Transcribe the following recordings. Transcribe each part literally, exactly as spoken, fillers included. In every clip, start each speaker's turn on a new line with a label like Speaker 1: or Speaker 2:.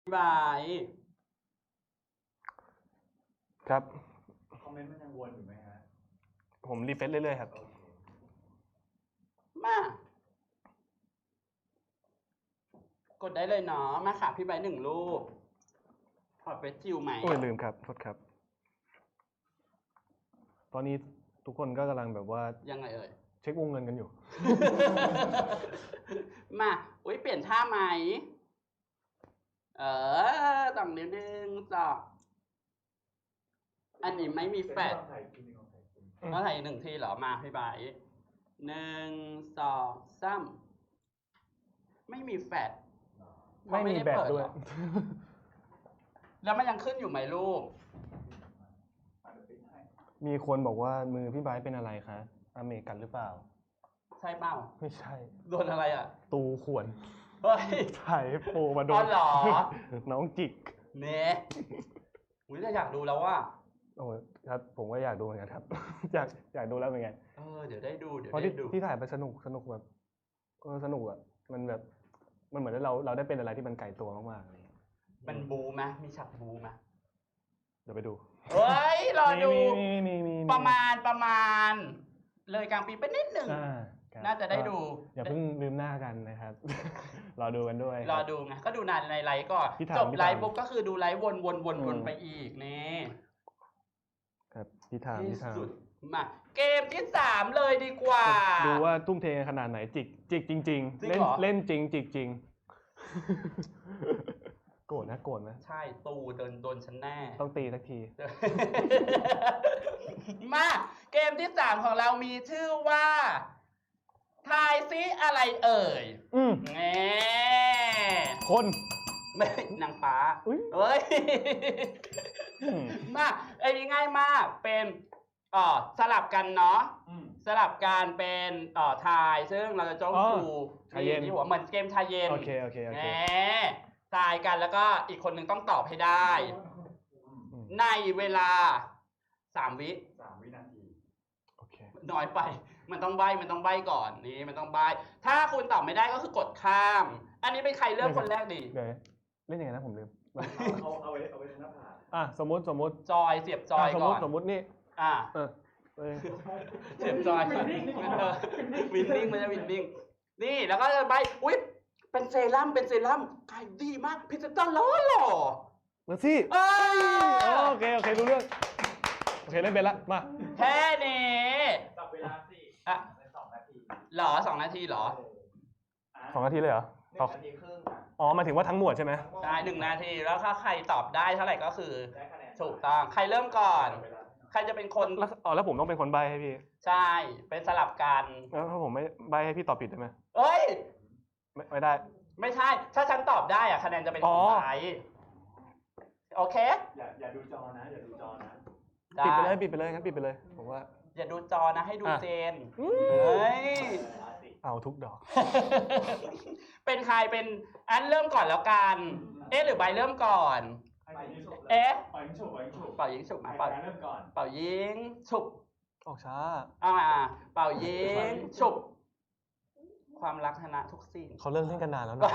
Speaker 1: บาย
Speaker 2: ครับ
Speaker 3: คอมเมนต์มันยังวนอยู่ไหมฮะ
Speaker 2: ผมรีเฟรชเรื่อยๆครับ
Speaker 1: มากดได้เลยเนาะมาค่ะพี่ใบหนึ่งรูปถอดเฟซชิลไหม
Speaker 2: โอ้ยลืมครับโทษครับตอนนี้ทุกคนก็กำลังแบบว่า
Speaker 1: ยังไงเอ่ย
Speaker 2: เช็ควงเงินกันอยู่
Speaker 1: มาอุ้ยเปลี่ยนท่าไหมเออต่องนิ้วหนึ่งสองอันนี้ไม่มีแฟดแล้วถ่ายหนึ่งทีเหรอมาพี่ใบหนึ่งสองสามไม่มีแฟด
Speaker 2: ไม่มีแบบด้วย
Speaker 1: แล้วมันยังขึ้นอยู่ไหมลูก
Speaker 2: มีคนบอกว่ามือพี่ไบร์ทเป็นอะไรคะอเมริกันหรือเปล่า
Speaker 1: ใช่เปล่า
Speaker 2: ไม่ใช่
Speaker 1: โดนอะไรอ่ะ
Speaker 2: ตูขวน
Speaker 1: เฮ้ย
Speaker 2: ถ่ายโปรมาโดน
Speaker 1: หรอ
Speaker 2: น้องจิก
Speaker 1: เน่อุ้ยอยากดูแล้วว่า
Speaker 2: โอ้ครับผมก็อยากดูเหมือนกันครับอยากอยากดูแล้วเหมือนกัน
Speaker 1: เออเดี๋ยวได้ดูเดี๋ยว
Speaker 2: ได้
Speaker 1: ดู
Speaker 2: ที่ถ่ายไปสนุกสนุกแบบเออสนุกอ่ะมันแบบมันเหมือนเราเราได้เป็นอะไรที่มันไกลตัวมากๆเลย
Speaker 1: มันบูไหมมีฉากบูไหม
Speaker 2: เดี๋ยวไปดู
Speaker 1: เฮ้ยรอดูประมาณประมาณเลยกลางปีไปนิดหนึ่งน่าจะได้ดู
Speaker 2: อย่าเพิ่งลืมหน้ากันนะครับรอดูกันด้วย
Speaker 1: รอดูไงก็ดูนานในไลฟ์ก่อนจบไลฟ์ปุ๊บก็คือดูไลฟ์วนวนวนวนไปอีกนี่
Speaker 2: ครับพี่ถามพี่ถาม
Speaker 1: มาเกมที่สามเลยดีกว่า
Speaker 2: ดูว่าทุ่มเทขนาดไหนจิกจิกจริงๆเล่นเล่นจริงจิกจริงโกรธนะโกรธนะ
Speaker 1: ใช่ตูโดนโดนฉันแน่
Speaker 2: ต้องตีสักที
Speaker 1: มาเกมที่สามของเรามีชื่อว่าทายซิอะไรเอ่ย
Speaker 2: อืม
Speaker 1: แง่
Speaker 2: คน
Speaker 1: ไม่นางฟ้าเฮ้ยมาไอ้นี่ง่ายมากเป็นอ๋อสลับกันเนาะสลับกันเป็นอ๋อทายซึ่งเราจะจ้องดูที่หัวเหมือนเกมชายเย็น
Speaker 2: โอเคโอเคโอเค
Speaker 1: ทายกันแล้วก็อีกคนหนึ่งต้องตอบให้ได้ในเวลาสามวิ
Speaker 3: สามวินาที
Speaker 2: โอเค
Speaker 1: น้อยไปมันต้องใบมันต้องใบก่อนนี่มันต้องใบถ้าคุณตอบไม่ได้ก็คือกดข้ามอันนี้เป็นใครเริ่มคนแรกดี
Speaker 2: เดี๋ยวเล่นยังไงนะผมลืม
Speaker 3: เอาเอาไว้เอาไว้หน้าผาก
Speaker 2: อ่ะสมมติสมมติ
Speaker 1: จอยเสียบจอยก่อน
Speaker 2: สมมติสมมตินี่
Speaker 1: อ่ะ
Speaker 2: เออ
Speaker 1: เสียบจอยวินนิ่งวินนิ่งมันจะวินนิ่งนี่แล้วก็ใบอุ๊ยเป็นเซรั่มเป็นเซรั่มขายดีมากพิซซ่าล้อหล่อ
Speaker 2: มาสิโอเคโอเครู้เรื่องโอเคเล่นเป็นละมา
Speaker 1: แค่นี้
Speaker 3: จับเวลาสิ
Speaker 1: อ่ะ
Speaker 3: สองนาที
Speaker 1: หรอสองนาทีหรอ
Speaker 2: สองนาทีเลยเหรอ
Speaker 3: หนึ่งนาทีครึ่ง
Speaker 2: อ๋อหมายถึงว่าทั้งหมวดใช่ไหม
Speaker 1: ได้หนึ่งนาทีแล้วถ้าใครตอบได้เท่าไหร่ก็คือถูกต้องใครเริ่มก่อนใครจะเป็นคน
Speaker 2: อ๋อแล้วผมต้องเป็นคนใบให้พี่
Speaker 1: ใช่เป็นสลับกัน
Speaker 2: แล้วถ้าผมไม่ใบให้พี่ตอบผิดได้ไหม
Speaker 1: เอ้ย
Speaker 2: ไม่ไม่ได้
Speaker 1: ไม่ใช่ถ้าฉันตอบได้อะคะแนนจะเป็นของใครโอเค
Speaker 3: อย่าอย่าดูจอนะอย่าดูจอนะ
Speaker 2: ปิดไปเลยปิดไปเลยงั้นปิดไปเลยผมว่า
Speaker 1: อย่าดูจอนะให้ดูเจนเฮ้ย
Speaker 2: เอาทุกดอก
Speaker 1: เป็นใครเป็นอันเริ่มก่อนแล้วกันเอ๊ะหรือใบเริ่มก่อนเอ๊ะ
Speaker 3: เป่ายิงฉุบ
Speaker 1: เป่ายิงฉุบมาเป่า
Speaker 3: เริ่มก่อน
Speaker 1: เป่ายิงฉุบ
Speaker 2: ออกช้า
Speaker 1: อ่าเป่ายิงฉุบความรักชนะทุกสิ่ง
Speaker 2: เขาเลิกเล่นกันนานแล้วนะ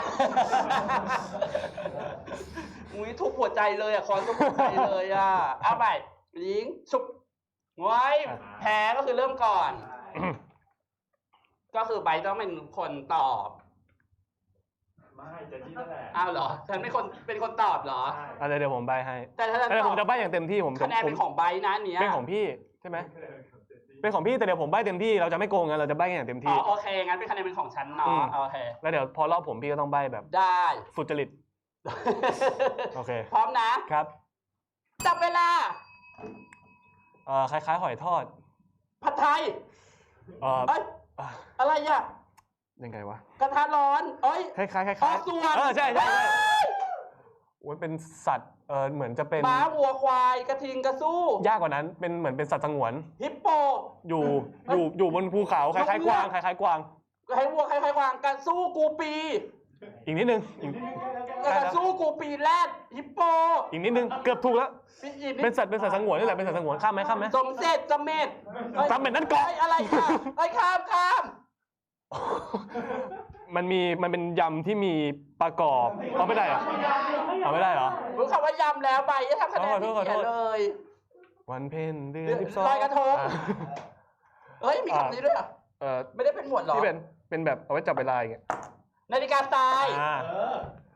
Speaker 1: อุ้ยทุกหัวใจเลยอ่ะคอนทุกหัวใจเลยอ่ะเอาไปยิงฉุบไว้แพ้ก็คือเริ่มก่อนก็คือใบต้องเป็นคนตอบ
Speaker 3: ไม่จะจี้นั่นแหละ
Speaker 1: อ้าวเหรอฉันเป็นคนเป็นคนตอบเหรอ
Speaker 2: อะไรเดี๋ยวผมใบให้
Speaker 1: แต่ถ้า
Speaker 2: แต่ผมจะใบอย่างเต็มที่ผม
Speaker 1: คะแนนเป็นของใบนะเนี้ย
Speaker 2: เป็นของพี่ใช่ไหมเป็นของพี่แต่เดี๋ยวผมใบเต็มที่เราจะไม่โกงกันเราจะใบอย่างเต็มที่
Speaker 1: อ๋อโอเคงั้นเป็นคะแนนเป็นของฉันเนาะโอเค
Speaker 2: แล้วเดี๋ยวพอรอบผมพี่ก็ต้องใบแบบ
Speaker 1: ได้
Speaker 2: สุจริตโอเค
Speaker 1: พร้อมนะครับจับเวลา
Speaker 2: เอ่อคล้ายๆหอยทอด
Speaker 1: ผัดไทย
Speaker 2: เอ่อ
Speaker 1: อะไรอ่ะ
Speaker 2: ยังไงวะ
Speaker 1: กระทะร้อนเอ้ย
Speaker 2: คล้ายๆคล้าย
Speaker 1: ๆส่วน
Speaker 2: เออใช่ใช่โอ้ยเป็นสัตว์เออเหมือนจะเป็น
Speaker 1: ม้าวัวควายกระทิงกระสู้
Speaker 2: ยากกว่านั้นเป็นเหมือนเป็นสัตว์สงวน
Speaker 1: ฮิปโป
Speaker 2: อยู่อยู่อยู่บนภูเขาคล้ายๆกวางคล้ายๆกวาง
Speaker 1: คล้ายวัวคล้ายๆกวางกระสู้กูปี
Speaker 2: อีกนิดนึง
Speaker 1: กระสู้กูปีแรดฮิปโป
Speaker 2: อีกนิดนึงเกือบถูกแล้วเป็นสัตว์เป็นสัตว์สงวนนี่แหละเป็นสัตว์สงวนข้ามไหมข้ามไหม
Speaker 1: สมเสร็จสมเม็ด
Speaker 2: สมเม็ดนั่นก่อน
Speaker 1: อะไรค่ะไอ้ข้ามข้าม
Speaker 2: มันมีมันเป็นยำที่มีประกอบเอาไม่ได้เหรอเอาไม่ได้เหรอ
Speaker 1: รู้คำว่ายำแล้วใบจะทำคะแนน
Speaker 2: ขอโท
Speaker 1: ที่
Speaker 2: ษขอโท
Speaker 1: เขีย
Speaker 2: ษ
Speaker 1: นเลย
Speaker 2: วันเพ็ญเดือนสิบสอง
Speaker 1: ลอยกระทง เฮ้ยมีคำนี้ด้วยเหรอ
Speaker 2: เออ
Speaker 1: ไม่ได้เป็นหมวดหรอ
Speaker 2: ที่เป็นเป็นแบบเอาไว้จับเวลาอย่างเงี้ย
Speaker 1: นาฬิกาทราย
Speaker 2: อ่า
Speaker 3: เออ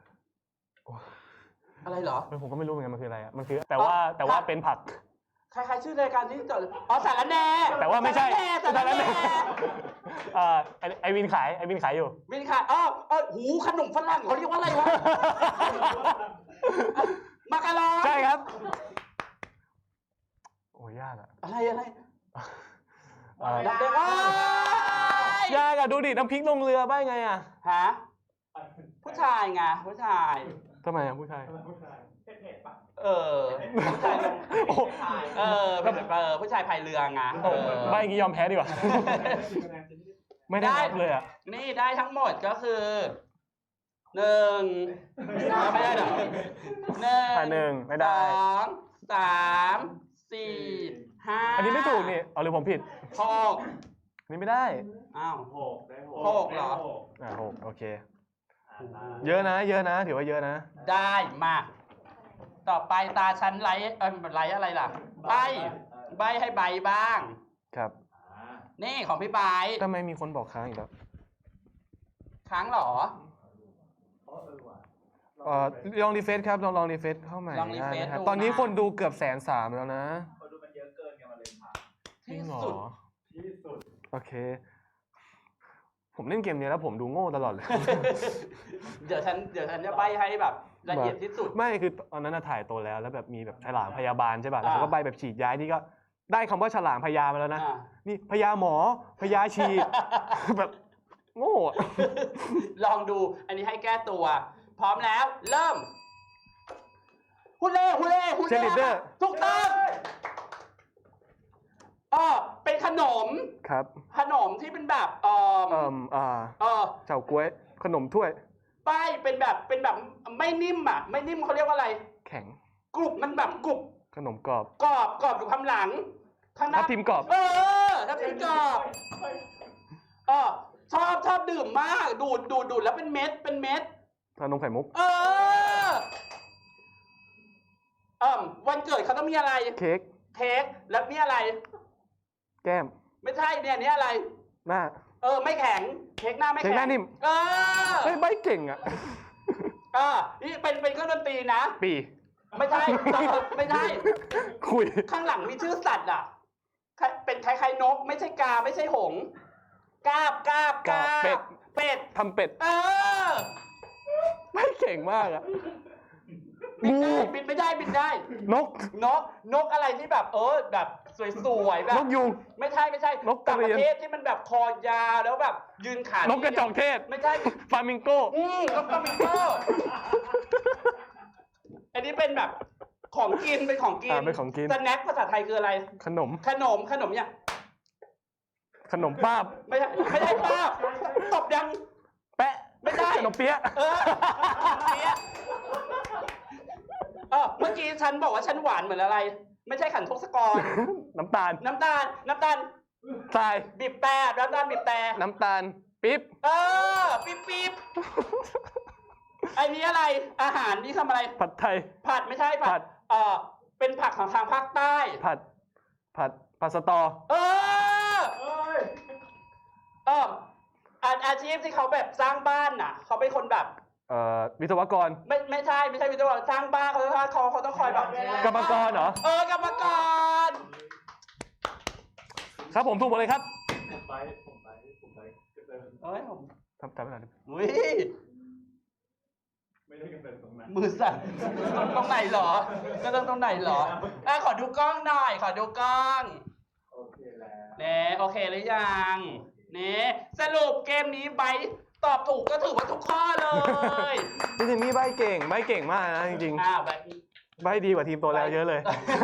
Speaker 1: อะไรเหรอ
Speaker 2: ผมก็ไม่รู้เหมือนกันมันคืออะไรอ่ะมันคือแต่ว่าแต่ว่าเป็นผัก
Speaker 1: ใครๆชื่อรายการที่จดอ๋อสารแหน่
Speaker 2: แต่ว่าไม่ใช่
Speaker 1: สารแหน่
Speaker 2: สารแหน่ อ่าไอ้ไอวินขายไอวินขายอยู่
Speaker 1: วินค่ะอ๋อเออหูขนมฝรั่งเขาเรียกว่าอะไรวะ มาการอน
Speaker 2: ใช่ครับ โอ้ยยากอ่ะ
Speaker 1: อะไรอะไร
Speaker 2: อ่า
Speaker 1: ดักเด็กอ้าย
Speaker 2: ยากอ่ะดูดิน้ำพริกลงเรือบ้าไงอ่ะ
Speaker 1: ฮะผู้ชายไงผู้ชาย
Speaker 2: ทำไมอ่ะผู้ชาย
Speaker 3: ผู้ชายเผ็ดๆปะ
Speaker 1: เออผู้ชายลง
Speaker 2: โอ้
Speaker 1: เออเป็นแบบเออผู้ชายพายเรือไงเออ
Speaker 2: ใบอย่างงี้ยอมแพ้ดีกว่า ไม่ได้นับเลยอ่ะ
Speaker 1: นี่ได้ทั้งหมดก็คือหนึ่งไม่ได้เหรอหนึ่ง
Speaker 2: อ่ะหนึ่งไม่ได้
Speaker 1: สองสามสี่ห้า
Speaker 2: อันนี้ไม่ถูกนี่เอาหรือผมผิด
Speaker 1: หก
Speaker 2: อันนี้ไม่ได้
Speaker 1: อ้าว
Speaker 3: หกได้หก
Speaker 1: หกเหรอ
Speaker 3: ได้ก
Speaker 2: อ่าหกโอเค
Speaker 3: อ่าได้
Speaker 2: เยอะนะ เยอะนะ ถือว่าเยอะนะ
Speaker 1: ได้มาก ต่อไปตาชั้นไลท์เออไลท์อะไรล่ะ ใบ ใบให้ใบบ้าง
Speaker 2: ครับ
Speaker 3: อ่า
Speaker 1: นี่ของพี่ใบ
Speaker 2: ทำไมมีคนบอกค้างอีกแล้ว
Speaker 1: ค้างเหรอ
Speaker 3: อ๋อเออว่ะ
Speaker 2: เอ่อลองรีเฟซครับลองลองรีเฟซเข้าใหม่
Speaker 1: ลองรีเฟซ
Speaker 2: ได้นะครับ
Speaker 1: ดู
Speaker 2: ตอนนี้
Speaker 1: นะ
Speaker 2: คนดูเกือบแสนสามแล้วนะ
Speaker 3: คนดูมันเยอะเกินไงมันเลยผ่าน
Speaker 2: จริงเหรอ
Speaker 1: ที่สุด
Speaker 3: ที่สุด
Speaker 2: โอเค ผมเล่นเกมนี้แล้วผมดูโง่ตลอดเลย
Speaker 1: เดี๋ยวฉันเดี๋ยวฉันจะใบให้แบบละเอียดที่สุด
Speaker 2: ไม่คือตอนนั้นน่ะถ่ายตัวแล้วแล้วแบบมีแบบฉลามพยาบาลใช่ป่ะแล้ว
Speaker 1: อ่า
Speaker 2: เขาก็ใบแบบฉีดยานี่ก็ได้คำว่าฉลามพยามาแล้วนะ
Speaker 1: อ่า
Speaker 2: นี่พยาหมอพยาฉีด แบบโง่อะ
Speaker 1: ลองดู อันนี้ให้แก้ตัว พร้อมแล้ว เริ่มฮุเล่ฮุเล่ฮุ
Speaker 2: เช
Speaker 1: เล่
Speaker 2: ลิเดอร์
Speaker 1: ถูกต้องเออเป็นขนม
Speaker 2: ครับ
Speaker 1: ขนมที่เป็นแบบเออ
Speaker 2: เอ่มอ่า
Speaker 1: เออ
Speaker 2: เฉาก๊วยขนมถ้วย
Speaker 1: ป้ายเป็นแบบเป็นแบบไม่นิ่มอ่ะ ไม่นิ่มเขาเรียกว่าอะไร
Speaker 2: แข็ง
Speaker 1: กรุบมันแบบกรุบ
Speaker 2: ขนมกรอบ
Speaker 1: กรอบกรอบอยู่ข้างหลังข้างห
Speaker 2: ทั
Speaker 1: น้า
Speaker 2: บทิมกรอบ
Speaker 1: เออทับทิมกรอบเออชอบชอบดื่มมาก ดูดดูดดูดแล้วเป็นเม็ดเป็นเม็ด
Speaker 2: ชานมไข่มุก
Speaker 1: เออเออวันเกิดเขาต้องมีอะไร
Speaker 2: เค้ก
Speaker 1: เค้กแล้วนี่อะไร
Speaker 2: แก้ม
Speaker 1: ไม่ใช่เนี่ยนี่อะไร
Speaker 2: หน้า
Speaker 1: เออ ไม่แข็ง เค้กหน้าไม่
Speaker 2: เค้ก
Speaker 1: แข็ง
Speaker 2: หน้านิ่ม
Speaker 1: เออ
Speaker 2: เฮ้ยใบเก่งอ่ะ
Speaker 1: เออนี่เป็นเป็นเครื่องดนตรีนะ
Speaker 2: ปี
Speaker 1: ไม่ใช่ไม่ใช่
Speaker 2: คุย
Speaker 1: ข้างหลังมีชื่อสัตว์อ่ะ เป็นคล้ายๆนก ไม่ใช่กาไม่ใช่หงส์กาบกาบกาบ
Speaker 2: เป็ด
Speaker 1: เป็ด
Speaker 2: ทำเป็ด
Speaker 1: เออ
Speaker 2: ใบเก่งมากอ่ะ
Speaker 1: บิน
Speaker 2: งู
Speaker 1: ได้บินไม่ได้บินได้
Speaker 2: นก
Speaker 1: นกนกอะไรที่แบบเออแบบสวยๆแบบ
Speaker 2: นกยุง
Speaker 1: ไม่ใช่ไม่ใช่
Speaker 2: นกก
Speaker 1: ต่า
Speaker 2: ระ
Speaker 1: ง
Speaker 2: เรี
Speaker 1: ป
Speaker 2: ยน
Speaker 1: ระเทศที่มันแบบคอยาวแล้วแบบ ยืนขาน
Speaker 2: กกระจอกเทศ
Speaker 1: ไม่ใช่
Speaker 2: ฟามิงโก
Speaker 1: อืมนกฟลามิงโกอันนี้เป็นแบบของกินเป็นของกิน
Speaker 2: อ่าเป็นของกิน
Speaker 1: สแน็คภาษาไทยคืออะไร
Speaker 2: ขนม
Speaker 1: ขนมขนมเนี่ย
Speaker 2: ขนมป้าบ
Speaker 1: ไม่ใช่ไม่ใช่ป้าบตบยัง
Speaker 2: แปะ
Speaker 1: ไม่ได้
Speaker 2: ขนมเปี๊ยะ
Speaker 1: เออเนี่ยเออเมื่อกี้ฉันบอกว่าฉันหวานเหมือนอะไร ไม่ใช่ขันทศกร
Speaker 2: น้ำตาล
Speaker 1: น้ำตาล น้ำตาล
Speaker 2: ทราย
Speaker 1: บีบแต่น้ำตาลบีบแต่
Speaker 2: น้ำตาล ปิ๊บ
Speaker 1: เออ ปิ๊บปิ๊บไอ้นี้อะไร อาหารนี่ทำอะไร
Speaker 2: ผัดไทย
Speaker 1: ผัดไม่ใช่
Speaker 2: ผั
Speaker 1: ผั
Speaker 2: ด
Speaker 1: ด เออเป็นผักของทางภาคใต้
Speaker 2: ผัด ผัด ผัดสตอ
Speaker 1: เออ
Speaker 3: เอ้ย
Speaker 1: เอออาอาชีพที่เขาแบบสร้างบ้านน่ะ เขาเป็นคนแบบ
Speaker 2: เอ่อ วิศวกร
Speaker 1: ไม่ไม่ใช่ไม่ใช่วิศวกรสร้างบ้านเขาต้องเขาเขาต้องคอยแบบ
Speaker 2: กรรมกรเหรอ
Speaker 1: เออกรรมกร
Speaker 2: ครับผมถูกหมดเลยครับ
Speaker 3: ผมไปผมไปผมไปกระเติน
Speaker 1: เอ้ยผม
Speaker 2: ทำทำไม่ได้
Speaker 1: อุ้ย
Speaker 3: ไม่ได้กระเตินตรงนั้น
Speaker 1: มือสั่นตรงไหนเหรอ ก็ต้องตรงไหนเหรออ่ะขอดูกล้องหน่อย ขอดูกล้อง
Speaker 3: โอเคแล้ว
Speaker 1: เน่โอเคหรือยังเน่สรุปเกมนี้ไบร์ทตอบถูกก็ถือว่าทุกข้อเลย
Speaker 2: จริงๆนี่ใบเก่ง ใบเก่งมากนะจริง
Speaker 1: อ้าวไบร์ท
Speaker 2: ๆ ใบดีกว่าทีมตัวแล้วเยอะเลย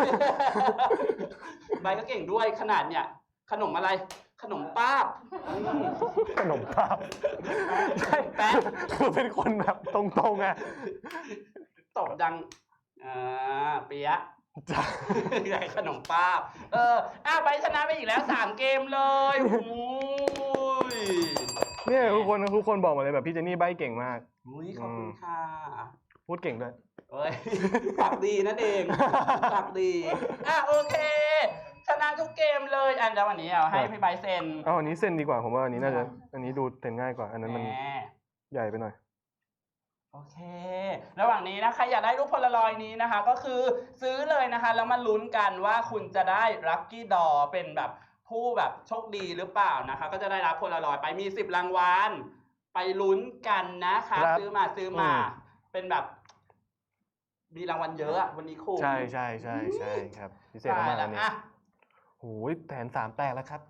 Speaker 1: ไบร์ทก็เก่งด้วยขนาดเนี่ย ขนมอะไร ขนมป้าบ
Speaker 2: ขนมป้าบใช่
Speaker 1: แป๊ะ
Speaker 2: คือเป็นคนแบบตรงๆอ่ะ
Speaker 1: ตบดังอ่าเปียะ
Speaker 2: จ้ะ
Speaker 1: ใหญ่ขนมป้าบเอออ้าวไบร์ทชนะไปอีกแล้วสามเกมเลยโอ้ย
Speaker 2: เนี่ยทุกคนทุกคนบอกมาเลยแบบพี่เจนนี่ใบ้เก่งมาก
Speaker 1: อุ้ยขอบคุณค่ะ
Speaker 2: พูดเก่งด้วย
Speaker 1: เอ้ย ปากดีนั่นเองปากดีอ่ะโอเคชนะทุกเกมเลยอันเดี๋ยววันนี้เอาให้พี่ไบร์ทเซ็น
Speaker 2: เอาอันนี้เส้นดีกว่าผมว่าอันนี้น่าจะอันนี้ดูเซ็นง่ายกว่าอันนั้นมัน
Speaker 1: แหม
Speaker 2: ใหญ่ไปหน่อย
Speaker 1: โอเค ระหว่างนี้นะใครอยากได้รูปโพลารอยด์นี้นะคะ ก็คือซื้อเลยนะคะ แล้วมาลุ้นกันว่าคุณจะได้ลัคกี้ดอเป็นแบบผู้แบบโชคดีหรือเปล่านะคะ ก็จะได้รับโพลารอยด์ไปมีสิบรางวัลไปลุ้นกันนะคะ
Speaker 2: ครับ
Speaker 1: ซื้อมาซื้อมา
Speaker 2: อืม
Speaker 1: เป็นแบบ มีรางวัลเยอะอะวันนี้คุ้ม
Speaker 2: ใช่ใช่ใช่ใช่ครับพิเศษ
Speaker 1: ใช่
Speaker 2: มากๆ
Speaker 1: แล้
Speaker 2: อั
Speaker 1: วน
Speaker 2: นี้
Speaker 1: อ่ะ
Speaker 2: โอ้ยแผนสามแตกแล้วครับ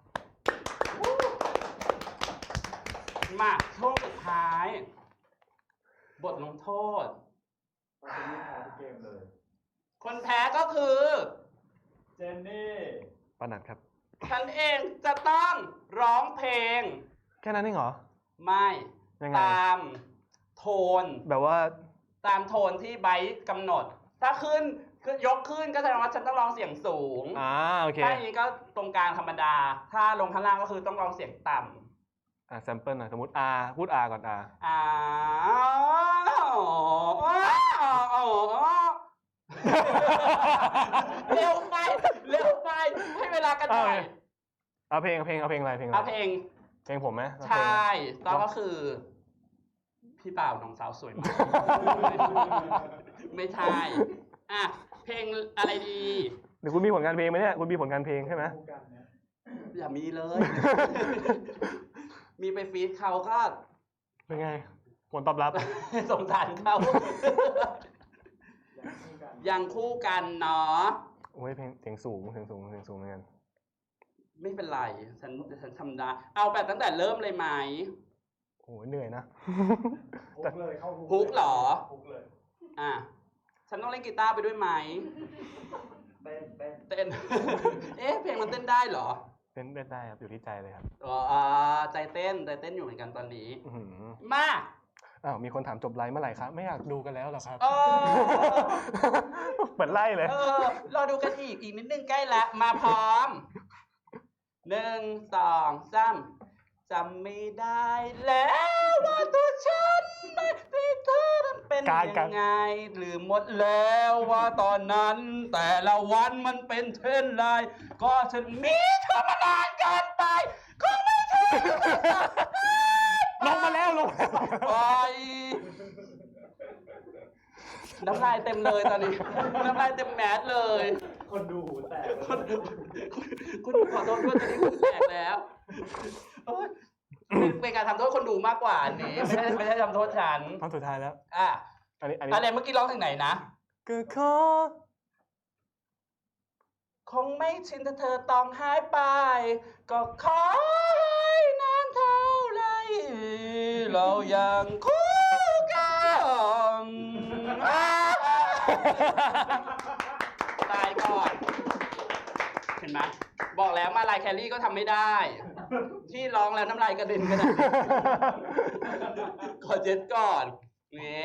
Speaker 1: มาช่วงสุดท้าย บทลงโทษ
Speaker 3: ตอนนี้แพ้ทุกเกมเลย
Speaker 1: คนแพ้ก็คือ
Speaker 3: เจนนี่
Speaker 2: ปานัดครับ
Speaker 1: ฉันเองจะต้องร้องเพลง
Speaker 2: แค่นั้นเองเหรอ
Speaker 1: ไม่
Speaker 2: ยังไง
Speaker 1: ตามโทน
Speaker 2: แบบว่า
Speaker 1: ตามโทนที่ไบร์ทกำหนด ถ้าขึ้นคือยกขึ้นก็แสดงว่าฉันต้องร้องเสียงสูง
Speaker 2: อ่าโอเค
Speaker 1: ถ้าอย่างนี้ก็ตรงกลางธรรมดา ถ้าลงข้างล่างก็คือต้องร้องเสียงต่ำ
Speaker 2: อ่าแซมเปิลหน่อยสมมติ R พูด R ก่อน R
Speaker 1: อ่าเร็วไป เร็วไป ให้เวลากันหน่อย
Speaker 2: เอาเพลงเอาเพลงเอาเพลงอะไรเพลงอะไร
Speaker 1: เอาเพลง
Speaker 2: เพลงผมไหมเอา
Speaker 1: ใช
Speaker 2: เพลงอะไร
Speaker 1: ่ต้องก็คือ พี่บ่าวน้องสาวสวยมาก ไม่ใช่ อ่ะ เพลงอะไรดี
Speaker 2: เดี๋ยวคุณมีผลงานเพลงไหมเนี่ยคุณมีผลงานเพลงใช่ไหม
Speaker 3: คู่กันเนี่ย
Speaker 1: อย่ามีเลย มีไปฟีดเขาก็
Speaker 2: เป็นไงผลตอบรับ
Speaker 1: สงสารเขา
Speaker 3: ยังคู่กัน
Speaker 1: ยังคู่กันเนาะ
Speaker 2: โอ้ยเพลงเสียงสูงเสียงสูงเสียงสูงเหมือนกัน
Speaker 1: ไม่เป็นไร ฉันฉันทำได้ เอาแบบตั้งแต่เริ่มเลยไหม
Speaker 2: โอ้ยเหนื่อยนะ
Speaker 3: ฮุกเลยเข้าฮุก
Speaker 1: ฮุกเหรอ
Speaker 3: ฮุกเลย
Speaker 1: อ่ะ ฉันต้องเล่นกีตาร์ไปด้วยไหม
Speaker 3: เต้นเต้น
Speaker 1: เต้น เอ๊ะ เพลงมันเต้นได้เหรอ
Speaker 2: เต้นได้ครับอยู่ที่ใจเลยครับ
Speaker 1: อ๋ออ่าใจเต้น ใจเต้นอยู่เหมือนกันตอนนี้
Speaker 2: อื้อหือ
Speaker 1: มา
Speaker 2: อ้าวมีคนถามจบไลฟ์เมื่อไหร่ครับไม่อยากดูกันแล้วเหรอครับ
Speaker 1: เออ
Speaker 2: เปิดไล่เลย
Speaker 1: เออ รอดูกันอีก อีกนิดนึงใกล้ละ มาพร้อม หนึ่ง สอง สามจำไม่ได้แล้วว่าตัวฉันไม่พี่เธอนั้นเป็น
Speaker 2: การ
Speaker 1: ยั
Speaker 2: การ
Speaker 1: งไงลืมหมดแล้วว่าตอนนั้น แต่ละวันมันเป็นเช่นไร ก็ฉันมีเธอมานานเกินไปคงไม่ใช่
Speaker 2: ลงมาแล้วลงมาแล้ว
Speaker 1: ไปน้ำลายเต็มเลยตอนนี้ น้ำลายเต็มแมสเลย
Speaker 3: คนดูหูแตก
Speaker 1: คนดูคนดูขอโทษด้วยตอนนี้คุณแตกแล้วโอ๊ยเป็นเป็นการทำโทษคนดูมากกว่าอันนี้ไม่ใช่ไม่ใช่ทำโทษฉัน
Speaker 2: ตอนสุดท้ายแล้ว
Speaker 1: อ่ะ
Speaker 2: อันนี้อันนี้
Speaker 1: อะไรเมื่อกี้ร้องถึงไหนนะ
Speaker 2: ก็ขอ
Speaker 1: คงไม่ชินถ้าเธอต้องหายไป ก็ขอให้นานเท่าไรเรายังคู่กันอ่ะตายก่อน เห็นไหมบอกแล้วมาลายแคลรี่ก็ทำไม่ได้ ที่ร้องแล้วน้ำลายกระเด็นกระดานขอเจ็ดก่อน นี่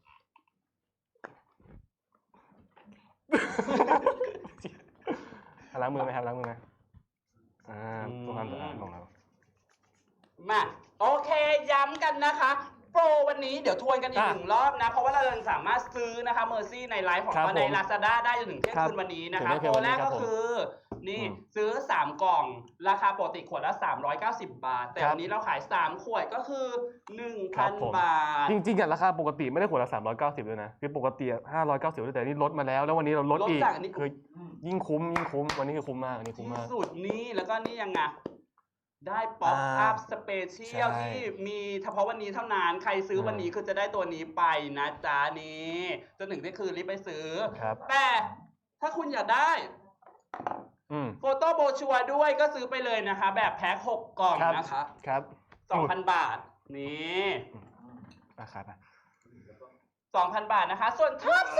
Speaker 2: ล้างมือไหมครับล้างมือไหมอ่าตัวความสะอาดของเรา
Speaker 1: มาโอเคย้ำกันนะคะ โปรวันนี้เดี๋ยวทวนกันอีก
Speaker 2: อ่ะ
Speaker 1: หนึ่งรอบนะ เพราะว่าเรายังสามารถซื้อนะคะเมอร์ซี่ในไลฟ์ของ
Speaker 2: ครับ
Speaker 1: เราใน
Speaker 2: ผม
Speaker 1: Lazada ได้จนถึงเที่ยง
Speaker 2: ครับ
Speaker 1: คืนวันนี้นะ
Speaker 2: ถึง
Speaker 1: คะ
Speaker 2: เที่ยง
Speaker 1: โป
Speaker 2: คืนวันนี้
Speaker 1: รแรก
Speaker 2: ครั
Speaker 1: ก็
Speaker 2: บผม
Speaker 1: คือ นี่
Speaker 2: อืม
Speaker 1: ซื้อสามกล่อง ราคาปกติขวดละสามร้อยเก้าสิบบาท แต่
Speaker 2: ครับ
Speaker 1: วันนี้เราขายสามขวดก็คือหนึ่ง
Speaker 2: ครั
Speaker 1: พั
Speaker 2: บ
Speaker 1: น
Speaker 2: ผม
Speaker 1: บาท
Speaker 2: จริงๆอะราคาปกติไม่ได้ขวดละสามร้อยเก้าสิบด้วยนะคือปกติห้าร้อยเก้าสิบแต่นี่ลดมาแล้ว แล้ววันนี้เราลด
Speaker 1: ลด
Speaker 2: อีก
Speaker 1: จากอันนี้
Speaker 2: คือยิ่งคุ้มยิ่งคุ้มวันนี้คือคุ้มมากอันนี้คุ้ม
Speaker 1: ที่
Speaker 2: มาก
Speaker 1: สุดนี่แล้วก็นี่ยังไงได้ป๊อป
Speaker 2: อ่า
Speaker 1: อัพสเปเชียล
Speaker 2: ใช่
Speaker 1: ที่มีเฉพาะวันนี้เท่านั้น ใครซื้อวันนี้
Speaker 2: อ่า
Speaker 1: คือจะได้ตัวนี้ไปนะจ๊ะนี่จนถึงที่คืนรีบไปซื้อ
Speaker 2: ครับ
Speaker 1: แต่ถ้าคุณอยากได้
Speaker 2: อืม
Speaker 1: โฟโต้โบชัวร์ด้วยก็ซื้อไปเลยนะคะ แบบแพ็คหกกล่อง
Speaker 2: ครับ
Speaker 1: นะคะ
Speaker 2: ครับ
Speaker 1: สองพันบาท นี่
Speaker 2: ราคาไป
Speaker 1: สองพันบาทนะคะ ส่วนท็อป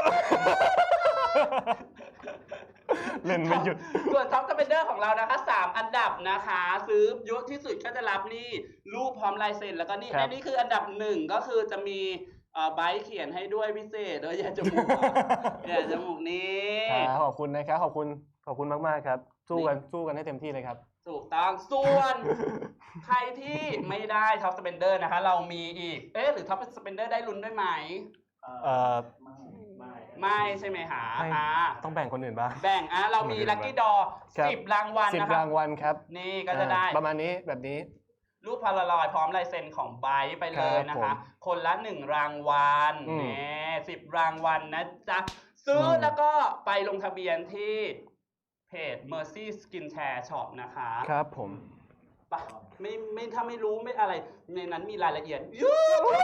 Speaker 2: เล่นไม่หยุด
Speaker 1: ส่วนท็อปสเปนเดอร์ของเรานะคะสามอันดับนะคะ ซื้อเยอะที่สุดก็จะรับนี่รูปพร้อมลายเซ็นแล้วก็นี่
Speaker 2: ครับ
Speaker 1: อันนี้คืออันดับหนึ่งก็คือจะมีเอ่อใบเขียนให้ด้วยพิเศษด้วยอย่าจมูกอ่ะอย่าจมูกนี้
Speaker 2: ครับขอบคุณนะครับขอบคุณขอบคุณมากๆครับ สู้กันสู้กันให้เต็มที่เลยครับ
Speaker 1: ถูกต้องส่วน ใครที่ไม่ได้ท็อปสเปนเดอร์นะคะ เรามีอีก เอ๊ะหรือท็อปสเปนเดอร์ได้ลุ้นด้วยไหม
Speaker 2: เอ่อ
Speaker 3: ไม่ไม่
Speaker 1: ไม่ใช่ไหมหา
Speaker 2: ไม่
Speaker 1: อ่า
Speaker 2: ต้องแบ่งคนอื่นบ้าง
Speaker 1: แบ่งอ่ะเรามีลัคกี้ดอ
Speaker 2: ครับ
Speaker 1: สิบรางวัล
Speaker 2: สิบ
Speaker 1: นะคะ
Speaker 2: รางวัลครับ
Speaker 1: นี่ก็จะได้
Speaker 2: อ่าประมาณนี้แบบนี้
Speaker 1: รูปพาราลอยด์พร้อมลายเซ็นของไบร์ทไปเลยนะ
Speaker 2: ครั
Speaker 1: คะ
Speaker 2: บผม
Speaker 1: คนละหนึ่งรางวัล
Speaker 2: อืม
Speaker 1: นี่สิบรางวัลนะจ๊ะ ซื้ออ
Speaker 2: ม
Speaker 1: แล้วก็ไปลงทะเบียนที่เพจ Mercy Skincare Shop นะคะ
Speaker 2: ครับผม
Speaker 1: ไปไม่ไม่ถ้าไม่รู้ไม่อะไร ในนั้นมีรายละเอียดเยอะ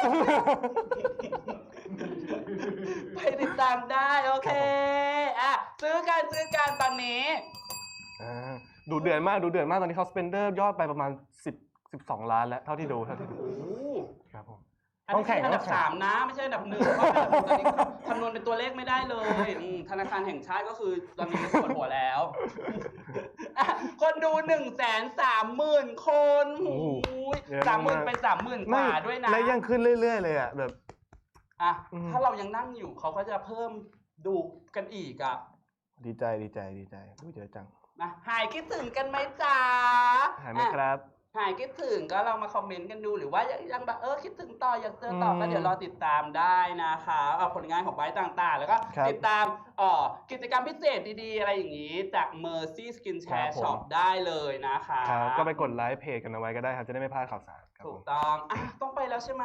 Speaker 1: ไปติดตามได้ โอเค อ่ะ ซื้อกันซื้อกันตอนนี้
Speaker 2: อ่าดูเดือดมากดูเดือดมากตอนนี้เขาสเปนเดอร์ยอดไปประมาณสิบ สิบสองล้านแล้วเท่าที่ดูเท่าที่ดู
Speaker 1: โอ้โห
Speaker 2: ครับผม
Speaker 1: อัน
Speaker 2: ต้อง
Speaker 1: นี้
Speaker 2: แข่ง
Speaker 1: อันดับ
Speaker 2: ต้องแข่ง
Speaker 1: สามนะ ไม่ใช่อันดับหนึ่งเพราะอันดับหนึ่งตอนนี้คำนวณเป็นตัวเลขไม่ได้เลยอืมธนาคารแห่งชาติก็คือตอนนี้ปวดหัวแล้วอ่ะคนดูหนึ่งแสนสามหมื่นคน
Speaker 2: โอ้โหเยอะ
Speaker 1: สามหมื่น
Speaker 2: มาก
Speaker 1: เป็นสามหมื่นกว่าด้วยนะ
Speaker 2: และยังขึ้นเรื่อยๆเลยอ่ะแบบ
Speaker 1: อ่ะ
Speaker 2: อืม
Speaker 1: ถ้าเรายังนั่งอยู่เขาก็จะเพิ่มดูกันอีกอ่ะ
Speaker 2: ดีใจดีใจดีใจอุ๊ยเยอะจัง
Speaker 1: นะหายคิดถึงกันไหมจ๊ะ
Speaker 2: หายไหม
Speaker 1: อ่ะ
Speaker 2: ครับ
Speaker 1: หายคิดถึงก็เรามาคอมเมนต์กันดูหรือว่ายังยังแบบเออคิดถึงต่ออยากเจอต่อก็
Speaker 2: อืม
Speaker 1: เดี๋ยวรอติดตามได้นะคะเอาผลงานของไบร์ทต่างๆ แล้วก็
Speaker 2: ครับ
Speaker 1: ติดตามเอ่อกิจกรรมพิเศษดีๆ อะไรอย่างนี้จาก Mercy
Speaker 2: ครั
Speaker 1: Skincare
Speaker 2: บผม
Speaker 1: Shop ได้เลยนะคะ
Speaker 2: ครับก็ไปกดไลค์เพจกันเอาไว้ก็ได้ครับจะได้ไม่พลาดข่าวสารครับ
Speaker 1: ถู
Speaker 2: ผ
Speaker 1: ก
Speaker 2: ม
Speaker 1: ต้องอ่ะต้องไปแล้วใช่ไหม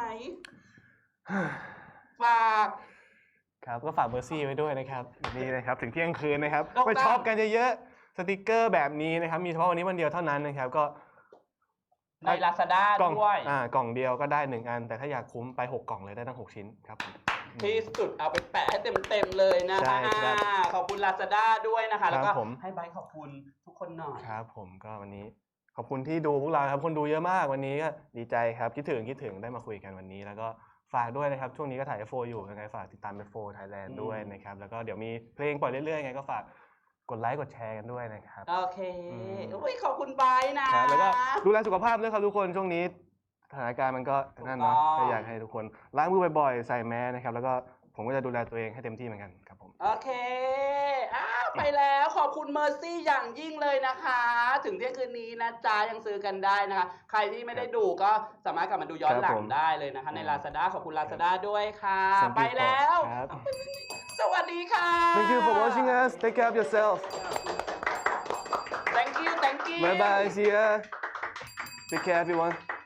Speaker 1: ฝาก
Speaker 2: ครับก็ฝากเบอร์ซี่ไว้ด้วยนะครับนี่นะครับถึงเที่ยงคืนนะครับ
Speaker 1: ถูกต้อง
Speaker 2: ไปช็อปกันเยอะๆสติกเกอร์แบบนี้นะครับมีเฉพาะวันนี้วันเดียวเท่านั้นนะครับก็
Speaker 1: ใน Lazada
Speaker 2: กล่อง
Speaker 1: ด้วย
Speaker 2: อ่ากล่องเดียวก็ได้หนึ่งอัน แต่ถ้าอยากคุ้มไปหกกล่องเลยได้ตั้งหกชิ้นครับผม
Speaker 1: ที่สุดเอาไปแปะให้เต็มๆเลยนะ
Speaker 2: ใช่
Speaker 1: คะ
Speaker 2: ครับ
Speaker 1: อ่าขอบคุณ Lazada ด้วยนะคะ แล้วก็
Speaker 2: ครับผม
Speaker 1: ให้ไบร์ทขอบคุณทุกคนหน่อย
Speaker 2: ครับผมก็วันนี้ขอบคุณที่ดูพวกเราครับคนดูเยอะมากวันนี้ก็ดีใจครับคิดถึงคิดถึงได้มาคุยกันวันนี้ แล้วก็ฝากด้วยนะครับช่วงนี้ก็ถ่าย เอฟ โฟ อยู่ยังไงฝากติดตาม เอฟ โฟ Thailand
Speaker 1: อืม
Speaker 2: ด้วยนะครับแล้วก็เดี๋ยวมีเพลงปล่อยเรื่อยๆไงก็ฝากกดไลค์กดแชร์กันด้วยนะครับ
Speaker 1: โอเค
Speaker 2: อืม
Speaker 1: อุ้ยขอบคุณไบร์ทนะครับ
Speaker 2: แล้วก็ดูแลสุขภาพด้วยครับทุกคนช่วงนี้สถานการณ์มันก็นั่นเนาะ
Speaker 1: ถูกต้อง
Speaker 2: ก็อยากให้ทุกคนล้างมือบ่อยๆใส่แมสนะครับแล้วก็ผมก็จะดูแลตัวเองให้เต็มที่เหมือนกันครับผม
Speaker 1: โอเคอ้าวไปแล้วขอบคุณเมอร์ซี่อย่างยิ่งเลยนะคะ ถึงเที่ยงคืนนี้นะจ๊ะยังซื้อกันได้นะคะ ใครที่ไม่ได้ดูก็สามารถกลับมาดูย้อนหลั
Speaker 2: ครั
Speaker 1: ง
Speaker 2: บผม
Speaker 1: ได้เลยนะคะใน Lazada ขอบคุณ Lazada ด้วยค่ะ
Speaker 2: Thank you
Speaker 1: ไปแล้ว
Speaker 2: ครับ
Speaker 1: สวัสดีค่ะ
Speaker 2: Thank you for watching us take care of yourself
Speaker 1: thank you thank you
Speaker 2: bye bye see ya take care everyone